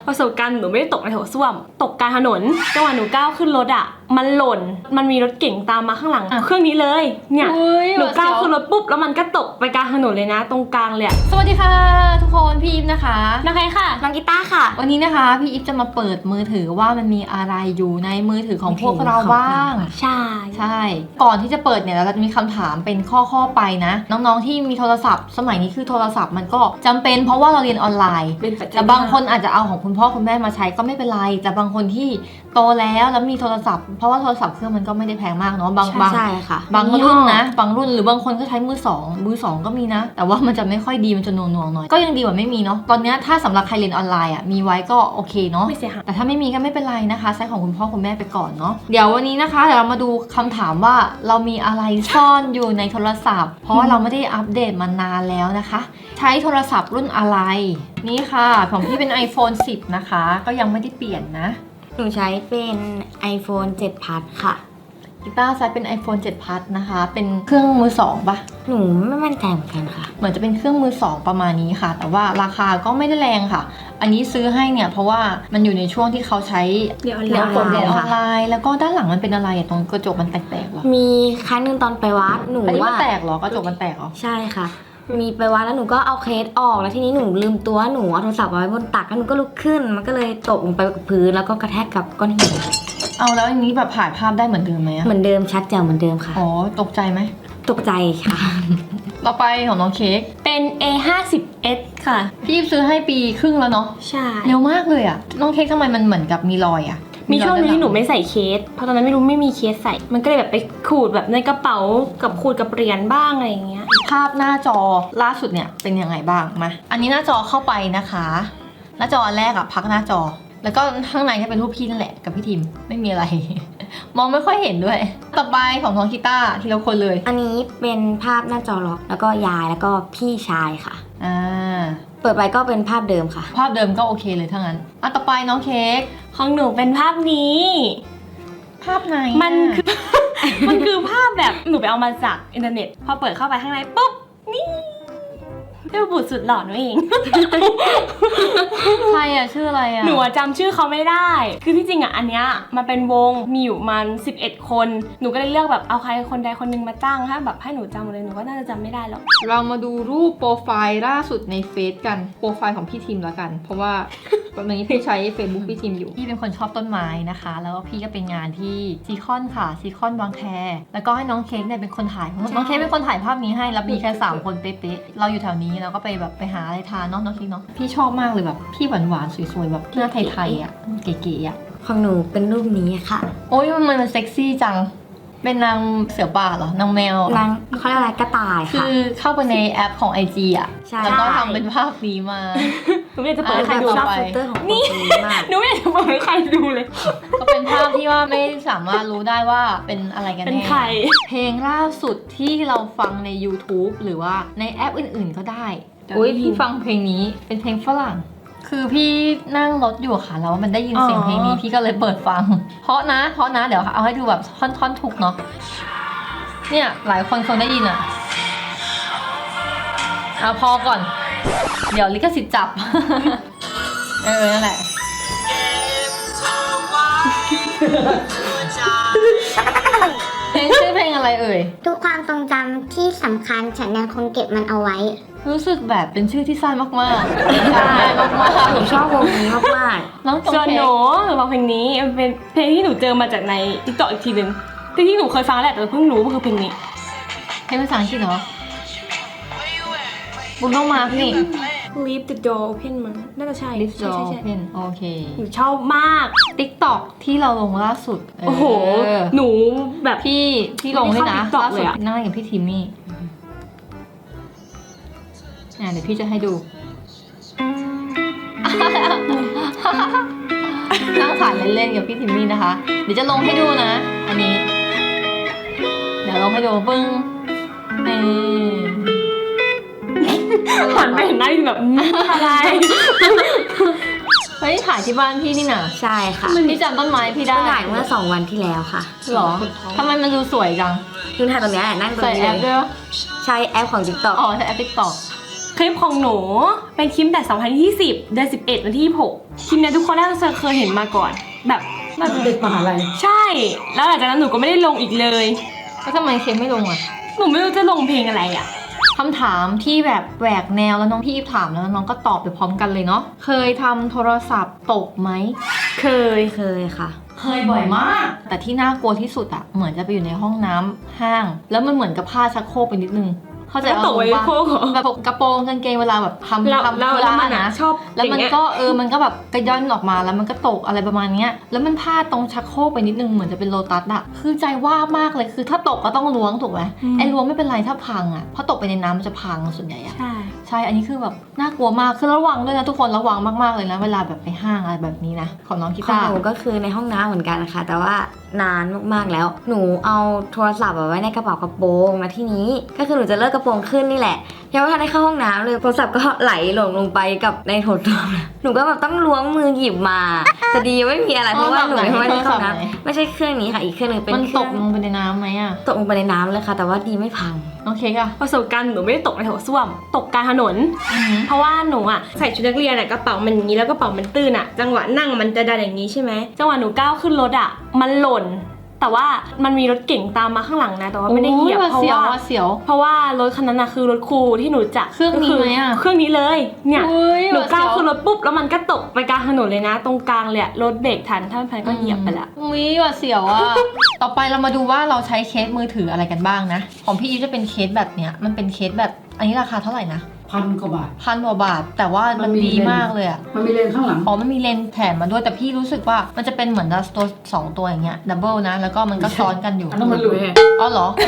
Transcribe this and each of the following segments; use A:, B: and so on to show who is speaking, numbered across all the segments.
A: ประสบการณ์หนูไม่ได้ตกในโถส้วมตกกลางถนนจังหวะหนูก้าวขึ้นรถอ่ะมันหล่นมันมีรถเก๋งตามมาข้างหลังเครื่องนี้เลยเนี่ยหนูก้าวขึ้นรถปุ๊บแล้วมันก็ตกไปกลางถนนเลยนะตรงกลางเลย
B: สวัสดีค่ะทุกคนพี่อิฟนะคะ
A: น้องใครค่ะ
C: น้องกีตาร์ค่ะ
B: วันนี้นะคะพี่อิฟจะมาเปิดมือถือว่ามันมีอะไรอยู่ในมือถือของพวกเราบ้าง
A: ใช่
B: ก่อนที่จะเปิดเนี่ยเราจะมีคำถามเป็นข้อไปนะน้องๆที่มีโทรศัพท์สมัยนี้คือโทรศัพท์มันก็จำเป็นเพราะว่าเราเรียนออนไลน์แต่บางคนอาจจะเอาของคุณพ่อคุณแม่มาใช้ก็ไม่เป็นไรแต่บางคนที่โตแล้วมีโทรศัพท์เพราะว่าโทรศัพท์เครื่องมันก็ไม่ได้แพงมากเนาะบางรุ่นนะบางรุ่นหรือบางคนก็ใช้มือสองก็มีนะแต่ว่ามันจะไม่ค่อยดีมันจะหน่วงหน่อยก็ยังดีกว่าไม่มีเนาะตอนนี้ถ้าสำหรับใครเรียนออนไลน์อ่ะมีไว้ก็โอเคเนาะ
A: ไม่เสียหาย
B: แต่ถ้าไม่มีก็ไม่เป็นไรนะคะใช้ของคุณพ่อคุณแม่ไปก่อนเนาะเดี๋ยววันนี้นะคะเดี๋ยวเรามาดูคำถามว่าเรามีอะไรซ่อนอยู่ในโทรศัพท์เพราะว่าเราไม่ได้อัปเดตมานานแล้วนะคะใช้โทรศัพท์รุ่นอะไรนี่ค่ะของพี่เป็น iPhone 10นะคะก็ยังไม่ได้เปลี่ยนนะ
C: หนูใช้เป็น iPhone 7 Plus ค่ะ
B: กีตาร์ใช้เป็น iPhone 7 Plus นะคะเป็นเครื่องมือสองปะ
C: หนูไม่มั่นใจเหมือนกันค่ะ
B: เหมือนจะเป็นเครื่องมือสองประมาณนี้ค่ะแต่ว่าราคาก็ไม่ได้แรงค่ะอันนี้ซื้อให้เนี่ยเพราะว่ามันอยู่ในช่วงที่เขาใช้
A: เรียนออน
B: ไลน์แล้วก็ด้านหลังมันเป็นอะไรตรงกระจกมันแตกๆหรอ
C: มีครั้งนึงตอนไปวัดหนูว่า
B: แตกหรอกระจกมันแตกหรอ
C: ใช่ค่ะมีไปวัดแล้วหนูก็เอาเคสออกแล้วทีนี้หนูลืมตัวหนูเอาโทรศัพท์ไว้บนตักแล้วหนูก็ลุกขึ้นมันก็เลยตกลงไปกับพื้นแล้วก็กระแทกกับก้อนหิน
B: เอาแล้วอันนี้แบบถ่ายภาพได้เหมือนเดิมไหม
C: เหมือนเดิมชัดแจ๋วเหมือนเดิมค่ะ
B: อ๋อตกใจไหม
C: ตกใจค่ะ
B: ต่อไปของน้องเค้ก
A: เป็น A50s ค่ะ
B: พี่ซื้อให้ปีครึ่งแล้วเนาะ
A: ใช่
B: เร็วมากเลยอะน้องเค้กทำไมมันเหมือนกับมีรอยอะ
A: มีช่วงนึงที่หนูไม่ใส่เคสเพราะตอนนั้นไม่มีเคสใส่มันก็เลยแบบไปขูดแบบในกระเป๋ากับขูดกับเหรียญบ้างอะไรอย่างเงี้ย
B: ภาพหน้าจอล่าสุดเนี่ยเป็นยังไงบ้างมาอันนี้หน้าจอเข้าไปนะคะหน้าจอแรกอะพักหน้าจอแล้วก็ข้างในจะเป็นรูปพี่นั่นแหละกับพี่ทิมไม่มีอะไร มองไม่ค่อยเห็นด้วยต่อไปของน้องกีตาร์ทีละคนเลย
C: อันนี้เป็นภาพหน้าจอล็อกแล้วก็ยายแล้วก็พี่ชายค่ะเปิดไปก็เป็นภาพเดิมค่ะ
B: ภาพเดิมก็โอเคเลยทั้งนั้นต่อไปน้องเค้ก
A: ของหนูเป็นภาพนี้
B: ภาพไหน
A: มันคือภาพแบบหนูไปเอามาจากอินเทอร์เน็ตพอเปิดเข้าไปข้างในปุ๊บนี่เจ้าบุตรสุดหล่อหนูเอง
B: ใครอะชื่ออะไรอะ
A: หนูจำชื่อเขาไม่ได้คือที่จริงอะอันเนี้ยมันเป็นวงมีอยู่มัน11 คนหนูก็เลยเลือกแบบเอาใครคนใดคนหนึ่งมาจ้างถ้าแบบให้หนูจำเลยหนูก็น่าจะจำไม่ได้หรอก
B: เรามาดูรูปโปรไฟล์ล่าสุดในเฟซกันโปรไฟล์ของพี่ทีมแล้วกันเพราะว่าตอนนี้พี่ใช้ Facebook พี่ทีมอยู่พี่เป็นคนชอบต้นไม้นะคะแล้วก็พี่ก็เป็นงานที่ซีคอนค่ะซีคอนบางแคแล้วก็ให้น้องเค้กเนี่ยเป็นคนถ่ายน้องเค้กเป็นคนถ่ายภาพนี้ให้แล้วมีแค่3 คนเป๊ะๆเราอยู่แถวนี้เราก็ไปแบบไปหาอะไรทานน้องเค้กเนาะพี่ชอบมากเลยแบบพี่หวานๆสวยๆแบบหน้าไทยๆอ่ะเก๋ๆอ่ะ
C: ของหนูเป็นรูปนี้ค่ะ
B: โอ้ยมันเซ็กซี่จังเป็นนางเสือป่าเหรอนางแมวน
C: างเขาเรียกอะไรกระต่ายค่ะ
B: คือเข้าไปในแอปของ IG อ่ะแล้วก็ทำเป็นภาพนี้มา
A: หนูไม่อยากจะเปิดให้ใครดู
C: ชอบฟิลเตอร์ของ
A: นี่หนูไม่อยากจะเปิดให้ใครดูเลย
B: ก็เป็นภาพที่ว่าไม่สามารถรู้ได้ว่าเป็นอะไรกันแน่
A: เป็นใคร
B: เพลงล่าสุดที่เราฟังใน YouTube หรือว่าในแอปอื่นๆก็ได้พี่ฟังเพลงนี้เป็นเพลงฝรั่งคือพี่นั่งรถอยู่ค่ะแล้วมันได้ยินเสียงเพลงนี้พี่ก็เลยเปิดฟังเพราะนะเดี๋ยวเอาให้ดูแบบท่อนถูกเนาะเนี่ยหลายคนคงได้ยินอ่ะเอาพอก่อนเดี๋ยวลิขสิทธิ์จับนั่นแหละเพลงชื่อเพลงอะไรเอ่ย
C: ทุกความทรงจำที่สำคัญฉันยังคงเก็บมันเอาไว้
B: รู้สึกแบบเป็นชื่อที่สั้นมากๆใช่มาก
C: ๆหนูชอบวงนี้มาก
B: ๆน้อง
A: ส่วนหนูฟังเพลงนี้เป็นเพลงที่หนูเจอมาจากใน TikTok อีกทีนึงที่หนูเคยฟังแหละแต่เพิ่งรู้ว่าคือเพลงนี้
B: เพลงภาษาอังกฤษเหรอบุญต้องมาพี่
A: Leave the door open มันน่าจะใช่
B: Leave the door open โอเค
A: หนูชอบมาก
B: TikTok ที่เราลงล่าสุด
A: โอ้โหหนูแบบ
B: พี่ลงให้นะล่าสุดนั่งกับพี่ทิมมี่เดี๋ยวพี่จะให้ดูนั่งถ่ายเล่นๆกับพี่ทิมมี่นะคะเดี๋ยวจะลงให้ดูนะอันนี้เดี๋ยวลงให้ดูปึ้ง
A: หันไปเห็นหน้าแบบอะไร
B: เฮ้ยถ่ายที่บ้านพี่นี่นะ
C: ใช่ค่ะ
B: พี่จำต้นไม้พี่ได้
C: ถ่ายเมื่อ2 วันที่แล้วค่ะ
B: หรอทำไมมันดูสวยจัง
C: คือถ่ายตรงนี้นั่งตรงนี้
B: ใช้แอปด้วย
C: ใช้แอปของ TikTok
B: ใช้แอป TikTok
A: คลิปของหนูเป็นคลิปแต่ 2020 เดือน 11 วันที่ 26 คลิปเนี้ยทุกคนน่าจะเคยเห็นมาก่อน แบบน่าจะ
D: เด็กมหาลัย
A: ใช่ แล้วหลังจากนั้นหนูก็ไม่ได้ลงอีกเลย
B: แล้วทำไมเค้กไม่ลงอ่ะ
A: หนูไม่รู้จะลงเพลงอะไรอ่ะ
B: คำถามที่แบบแหวกแนวแล้วน้องพี่ถามแล้วน้องก็ตอบไปพร้อมกันเลยเนาะเคยทำโทรศัพท์ตกไหม
A: เคย
C: เคยค่ะ
B: เคยบ่อยมาก แต่ที่น่ากลัวที่สุดอะเหมือนจะไปอยู่ในห้องน้ำห้าง แล้วมันเหมือนกับผ้าชักโครกไปนิดนึง เข้าใจ
A: แล้วตกไว้
B: ปะ
A: โค้งเหรอ
B: แบบกระโปรงกางเกงเวลาแบบทำ
A: แล้ว
B: ทำ
A: แล้ว
B: ธุ
A: แล้ว
B: ระ
A: มันอะ
B: นะ
A: ชอบ
B: แล้วมัน
A: อย่างเงี้ย
B: ก็มันก็แบบกระย่อนออกมาแล้วมันก็ตกอะไรประมาณเนี้ยแล้วมันพลาดตรงชักโครกไปนิดนึงเหมือนจะเป็นโลตัสอะคือใจว่ามากเลยคือถ้าตกก็ต้องล้วงถูกไหมไอ้ล้วงไม่เป็นไรถ้าพังอะเพราะตกไปในน้ำมันจะพังส่วนใหญ่อะ
A: ใช่
B: ใช่ อันนี้คือแบบน่ากลัวมาก คือระวังด้วยนะทุกคนระวังมากๆเลยนะเวลาแบบไปห้างอะไรแบบนี้นะ ของน้องกี
C: ของ
B: ตาร์
C: หนูก็คือในห้องน้ำเหมือนกันค่ะ แต่ว่านานมากๆแล้ว หนูเอาโทรศัพท์ไว้ในกระเป๋ากระโปรงมาที่นี้ ก็คือหนูจะเลิกกระโปรงขึ้นนี่แหละยังไม่ทันได้เข้าห้องน้ำเลยโทรศัพท์ก็ไหลหล่นลงไปกับในโถส้วมหนูก็แบบต้องล้วงมือหยิบมาแต่ดีไม่มีอะไรเพราะว่าหนูไม่ได้เข้าน้ำไม่ใช่เครื่องนี้ค่ะอีกเครื่องหนึงเป็น
B: มัน
C: เค
B: ต
C: รื่อก ง
B: ลงไปในน้ำไหมอะ
C: ตกลงไปในน้ำเลยค่ะ แต่ว่าดีไม่พัง
B: น้องเค้กอะ
A: ประสบการณ์หนูไม่ได้ตกในโถส้วม ตกกลางถนน เพราะว่าหนูอะใส่ชุดนักเรียนอะกระเป๋ามันอย่างนี้แล้วกระเป๋ามันตื้นอะจังหวะนั่งมันจะดันอย่างนี้ใช่ไหมจังหวะหนูก้าวขึ้นรถอะมันหล่น แต่ว่ามันมีรถเก๋งตามมาข้างหลังนะแต่ว่าไม่ได้เหยียบ
B: โอ้
A: เพราะ
B: เสียว
A: ว่า
B: ว่าเสียว
A: เพราะว่ารถคันนั้นนะคือรถครูที่หนูจับ
B: เครื่องนี้ไหมอะ
A: เครื่องนี้เลยเนี่ย
B: อุ๊ย
A: หนูก้าว
B: หวาดเสียว
A: ขึ้นรถปุ๊บแล้วมันก็ตกไปกลางถนนเลยนะ ตรงกลางเลยอะรถเบรกทันถ้าไม่ทันก็เหยียบไปละ
B: อุ้ยว่าเสียวอะต่อไปเรามาดูว่าเราใช้เคสมือถืออะไรกันบ้างนะ ของพี่อีฟจะเป็นเคสแบบเนี้ย มันเป็นเคสแบบ อันนี้ราคาเท่าไหร่นะ
D: 1,000 กว่าบาท
B: 1,000 กว่าบาท แต่ว่ามันดีมากเลยอะ
D: มันมีเลนข้างหลัง
B: อ๋อมันมีเลนส์แถมมาด้วยแต่พี่รู้สึกว่ามันจะเป็นเหมือนตัว2 ตัวอย่างเงี้ยดับเบิลนะ แล้วก็มันก็ซ้อนกันอยู่
D: อันนั้นมันหลุด
B: อ๋อเหรอ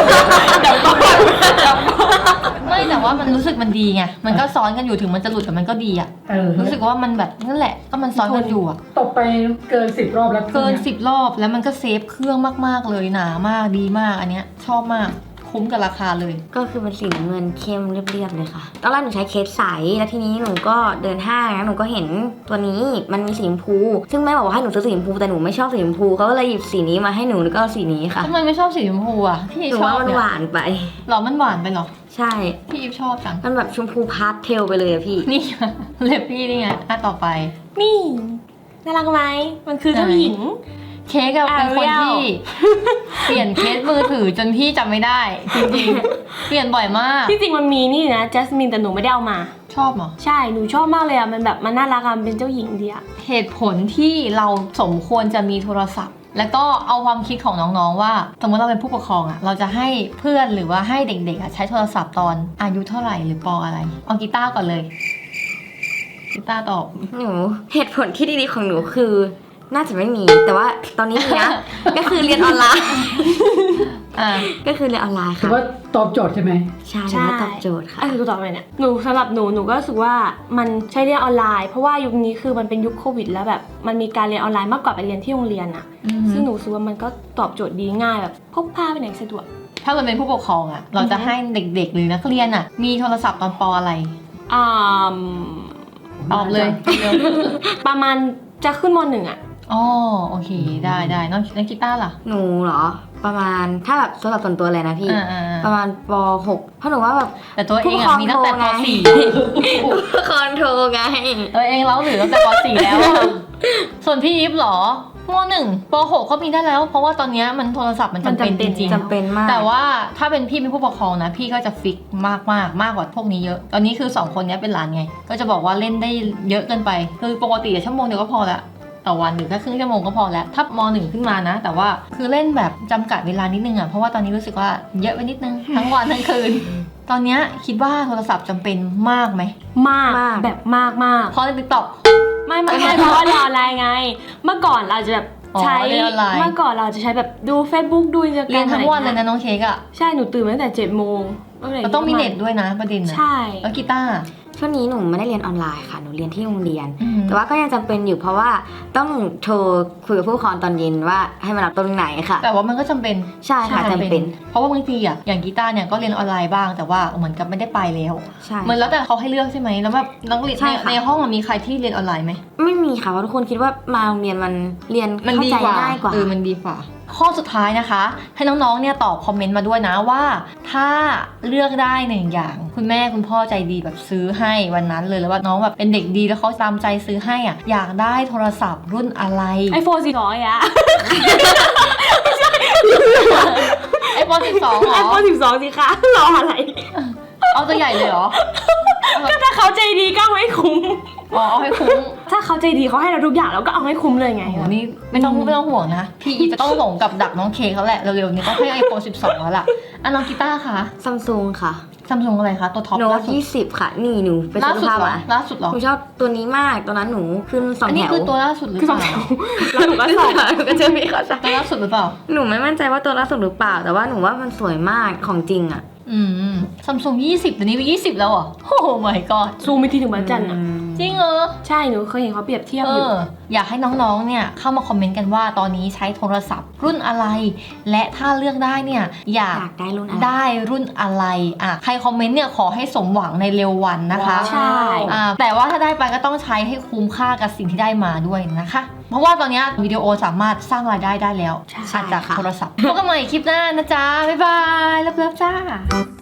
B: ไม่แต่ว่ามันรู้สึกมันดีไงมันก็ซ้อนกันอยู่ถึงมันจะหลุดแต่มันก็ดีอะรู้สึกว่ามันแบบนั่นแหละก็มันซ้อนกันอยู่อะ
D: ตกไปเกิน 10 รอบแล้ว
B: เกิน10 รอบแล้วมันก็เซฟเครื่องมากๆเลยหนามากดีมากอันเนี้ยชอบมากคุ้มกับราคาเลย
C: ก็คือเป็นสีน้ำเงินเข้มเรียบๆเลยค่ะตอนแรกหนูใช้เคสใสแล้วทีนี้หนูก็เดินห้างแล้วหนูก็เห็นตัวนี้มันมีสีชมพู ซึ่งแม่บอกว่าให้หนูซื้อสีชมพูแต่หนูไม่ชอบสีชมพูเขาก็เลยหยิบสีนี้มาให้หนูแล้วก็เอาสีนี้ค่ะ
B: ทำไมไม่ชอบสีชมพูอ่ะพี่
C: หนู
B: ชอ
C: ว่า
B: บ
C: มัน
B: เนี่ย
C: หวานไป
B: หรอมันหวานไปเหรอ
C: ใช่
B: พี่อีฟชอบจัง
C: มันแบบชมพูพาสเทลไปเลยอะพี่
B: นี่ เล็บพี่นี่ไงต่อไป
A: นี่น่ารักไหมมันคือเจ้าหญิง
B: เค้กอะเป็นคนที่ เปลี่ยนเคสมือถือจนพี่จำไม่ได้จริงๆ เปลี่ยนบ่อยมาก
A: ที่จริงมันมีนี่นะจัสมินแต่หนูไม่ได้เอามา
B: ชอบเหรอ
A: ใช่หนูชอบมากเลยอะมันแบบมันน่ารักอะมันเป็นเจ้าหญิงดีอะ
B: เหตุผลที่เราสมควรจะมีโทรศัพท์ แล้วก็เอาความคิดของน้องๆว่าสมมติเราเป็นผู้ปกครองอะเราจะให้เพื่อนหรือว่าให้เด็กๆอะใช้โทรศัพท์ตอนอายุเท่าไหร่หรือปออะไรเอากีตาร์ก่อนเลยกีตาร์ตอบ
C: หนูเหตุผลที่ดีๆของหนูคือน่าจะไม่มี แต่ว่าตอนนี้มีนะ ก็คือเรียนออนไลน์
B: อ่า
C: ก็คือเรียนออนไลน์
D: ถือ
C: ค่ะ
D: ว่าตอบโจทย์ใช่ไหม
C: ใช่ถือว่าตอบโจทย์ค่ะ
A: คือตอบไปเนี่ยหนูสำหรับหนูก็รู้สึกว่ามันใช้เรียนออนไลน์เพราะว่ายุคนี้คือมันเป็นยุคโควิดแล้วแบบมันมีการเรียนออนไลน์มากกว่าไปเรียนที่โรงเรียนอะ ซึ่งหนูรู้สึกว่ามันก็ตอบโจทย์ดีง่ายแบบพกพาไปไหนสะดวก
B: ถ้าเราเป็นผู้ปกครองอะเราจะให้เด็กๆหรือนักเรียนอะมีโทรศัพท์ตอนปออะไร
A: อ่า
B: ตอบเลยเร็ว
A: ประมาณจะขึ้นม.1อะ
B: อ๋อโอเคได้น้องกีตาร์ล่ะ
C: หนูเหรอ ประมาณถ้าแบบสำหรับส่วนตัวเลยนะพี่ ประมาณป .6 เพราะหนูว่าแบบ
B: แต่ตัวเองอะมีตั้งแต่ป
C: คอนโทรไง
B: .4 ตัวเองเล่าหรือตั้งแต่ป .4 แล้วอะส่วนพี่อีฟเหรอม .1 ป .6 ก็มีได้แล้ว เพราะว่าตอนเนี้ยมันโทรศัพท์มันจำเป็นจริง
C: จำเป็นมาก
B: แต่ว่าถ้าเป็นพี่เป็นผู้ปกครองนะพี่ก็จะฟิกมากกว่าพวกนี้เยอะ ตอนนี้คือ2คนเนี้ยเป็นหลานไง ก็จะบอกว่าเล่นได้เยอะเกินไป คือปกติชั่วโมงเดียวก็พอละต่อวันหรือแค่ครึ่งชั่วโมงก็พอแล้วถ้าม.1 ขึ้นมานะ แต่ว่าคือเล่นแบบจำกัดเวลานิดนึงอ่ะเพราะว่าตอนนี้รู้สึกว่าเยอะไปนิดนึง ทั้งวันทั้งคืน ตอนเนี้ยคิดว่าโทรศัพท์จำเป็นมากไหม
A: มาก
C: มาก
A: แบบมาก
B: เพราะในติ๊กต็อก
A: ไม่เพราะว่าเรียนออนไลน์ไง เมื่อก่อนเราจะแบบ
B: อ๋อ
A: ใช้
B: เรียนออนไลน์
A: เมื่อก่อนเราจะใช้แบบดู Facebook ดู Instagram
B: เรียนทั้งวันเลยนะน้องเค้กอ่ะ
A: ใช่หนูตื่นมาตั้งแต่7 โมง
B: เราต้องมีเน็ตด้วยนะประเด็นนะ
A: ใช่
B: แล้วกีตาร์
C: ช่วงนี้หนูไม่ได้เรียนออนไลน์ค่ะ หนูเรียนที่โรงเรียน
B: อืม
C: แต่ว่าก็ยังจำเป็นอยู่เพราะว่าต้องโทรคุยกับผู้ปกครองตอนเย็นว่าให้มารับตรงไหนค่ะ
B: แต่ว่ามันก็จำเป็น
C: ใช่ค่ะจำเป็น
B: เพราะว่าบางทีอ่ะอย่างกีตาร์เนี่ยก็เรียนออนไลน์บ้างแต่ว่าเหมือนกับไม่ได้ไปแล้ว
C: ใช่
B: เหมือนแล้วแต่เขาให้เลือกใช่ไหมแล้วแบบน้องเรียน
C: ใช่ค่ะ
B: ในห้องอะมีใครที่เรียนออนไลน์ไหม
C: ไม่มีค่ะเพราะทุกคนคิดว่ามาโรงเรียนมันเรียน
B: มัน
C: เข้า
B: ดี
C: ใจ
B: กว่า
C: ง่ายกว่า
B: มันดีกว่าข้อสุดท้ายนะคะ ให้น้องๆเนี่ยตอบคอมเมนต์มาด้วยนะว่า ถ้าเลือกได้หนึ่งอย่างคุณแม่คุณพ่อใจดีแบบซื้อให้วันนั้นเลยแล้วว่าน้องแบบเป็นเด็กดีแล้วเขาตามใจซื้อให้อ่ะอยากได้โทรศัพท์รุ่นอะไร
A: iPhone 400อะ
B: iPhone 12เหรอ
A: iPhone 12สิคะรออะไร
B: เอาตัวใหญ่เลยเหรอ
A: ก็ถ้าเขาใจดีก็เอาให้คุ้ม
B: อ๋อเอาให้คุ้ม
A: ถ้าเขาใจดีเขาให้เราทุกอย่างเราก็เอาให้คุ้มเลยไง
B: โอ้โหนี่ไม่ต้องห่วงนะ พี่อีจะต้องหลงกับดักน้องเคเขาแหละเร็วๆนี้ต้องให้ iPhone 12 แล้วล่ะอ่ะน้องกีตาร์คะ
C: ซัมซุงค่ะ
B: ซัมซุงอะไรคะตัวท็อป
C: โน้
B: ล่า
C: ต
B: สุด
C: 20 ค่ะ นี่หนูไป
B: ล่า
C: ซื้อ
B: สุด
C: ภาพ
B: เหรอ
C: มา
B: ล่าสุดเหรอ
C: หนูชอบตัวนี้มากตอนนั้นหนูขึ้นสอง
B: อัน
C: แถ
B: นี้
C: ว
B: คือตัวล่าสุดหรือ
A: คือ
B: เป
A: สอง
B: ล่า
A: แถวแล้วหนูก็ส่ง
C: ก็จะมีเขาใส่
B: ตัวล่าสุดหรือเปล่า
C: หนูไม่มั่นใจว่าตัวล่าสุดหรือเปล่า แต่ว่าหนูว่ามันสวยมากของจริงอะ
B: ซัมซุง20เดี๋ยวนี้เป็น20แล้วเหรอโอ้โห my god
A: ซูมไปทีถึงบางจันทร์อะ
B: จริงเหรอ
A: ใช่หนูเคยเห็นเขาเปรียบเทียบอยู่
B: อยากให้น้องๆ เนี่ยเข้ามาคอมเมนต์กันว่าตอนนี้ใช้โทรศัพท์รุ่นอะไร และถ้าเลือกได้เนี่ยอยาก
C: อยากได้รุ่นอะไร
B: ได้รุ่นอะไรอ่ะใครคอมเมนต์เนี่ยขอให้สมหวังในเร็ววันนะคะ
A: ใช่
B: แต่ว่าถ้าได้ไปก็ต้องใช้ให้คุ้มค่ากับสิ่งที่ได้มาด้วยนะคะ เพราะว่าตอนนี้วิดีโอสามารถสร้างรายได้ได้แล้ว
C: ใช่
B: จาก
C: ค่ะ
B: โทรศัพท์พบกันใหม่คลิปหน้านะจ๊ะบ๊ายบายเลิฟๆจ้า